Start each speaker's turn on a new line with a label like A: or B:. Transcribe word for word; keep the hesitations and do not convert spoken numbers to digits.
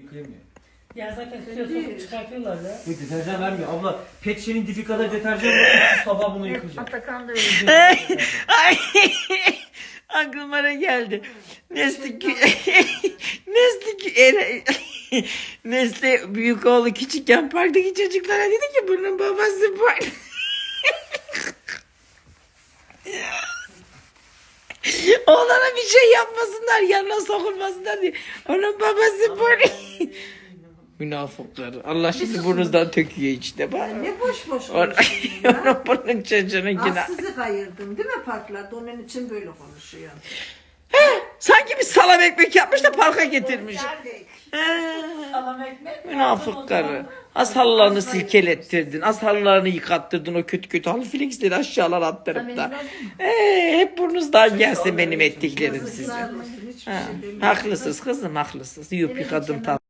A: yıkayamıyor.
B: Ya zaten suya sokup çıkartıyorlar ya.
A: Yok deterjan vermiyor. Abla pet şişenin dibi kadar deterjan var. Üç sabah bunu yıkayacak.
C: Atakan da öyle.
D: Ay, aklıma ne geldi? Nesli Nesli Nesli büyük oğlu küçükken parktaki çocuklara dedi ki bunun babası bu. Oğlana bir şey yapmasınlar, yanına sokulmasınlar diye. Onun babası bu. Münafıklar. Allah şimdi burnunuzdan töküyor işte. Bak.
C: Ne boş boş
D: Onun
C: konuşuyorsun ya.
D: bunun çocuğunun günah.
C: Az sizi kayırdım değil mi parklarda? Onun için böyle konuşuyor.
D: Sanki bir salam ekmek yapmış da parka getirmiş.
B: Salam ekmek.
D: Münafık karı. Az halılarını silkelettirdin. Az halılarını yıkattırdın o kötü kötü halı flexleri aşağılar attırıp da. Ee, hep burnunuzdan gelsin benim ettiklerim size.
C: Kızarmasın, hiçbir
D: Ha,
C: şey demiyorum.
D: haklısınız kızım haklısınız. Yiyip yıkadım tatlı.